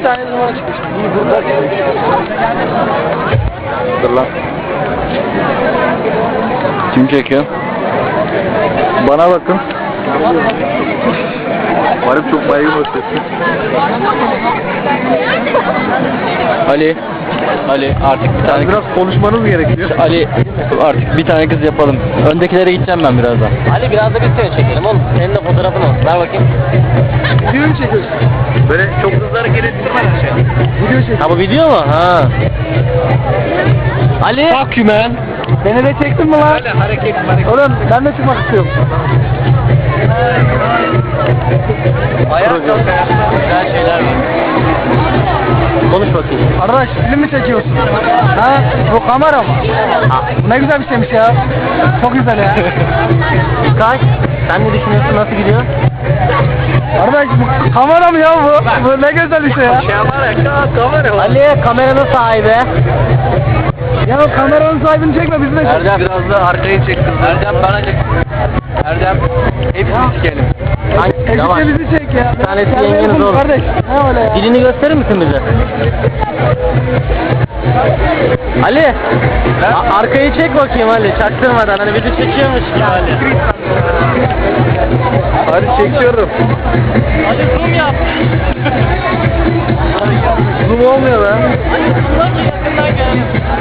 tane numara çıkmış. İyi burada. Dur lan. Kim çekiyor? Bana bakın. Varıp çok baygın basıyorsun. Ali. Ali artık bir tane Biraz konuşmanız gerekiyor. Ali artık bir tane kız yapalım. Öndekilere gideceğim ben birazdan. Ali biraz da biz seni çekelim oğlum. Senin de fotoğrafın olsun. Ver bakayım. Video mu çekiyorsun? Böyle çok hızlı hareket ettirmeden şey. Video çekiyorsun. Ha bu video mu? Ha. Ali. Fuck you man. Beni de çektin mi lan? Böyle hareket. Oğlum ben de çıkmak istiyorum. Ayağa kalk. Güzel şeyler var. Konuş bakayım. Arkadaş film mi çekiyorsun? Ha? Bu kamera mı? Bu ne güzel bir şeymiş ya. Çok güzel ya. İlkay, sen ne düşünüyorsun? Nasıl gidiyor? Arkadaş bu kamera mı ya bu? Bu ne güzel bir şey ya. Kamera. Ali kameranın sahibi. Ya kameranın sahibini çekme bizi de çek. Erdem. Biraz da arkayı çek kızlar. Erdem bana çek. Erdem. Hepsini sikelim. Yavaş. Ekşi bizi çek ya. Bir tanesi Sen yengeniz benim olur. Kardeş. Ne öyle ya? Dilini gösterir misin bize? Ali. Arkayı çek bakayım Ali. Çaktırmadan. Hani bizi çekiyormuş gibi Ali. Hadi çekiyorum. Ali zoom yap. Zoom olmuyor be. Ali zoomla ki yakından gel.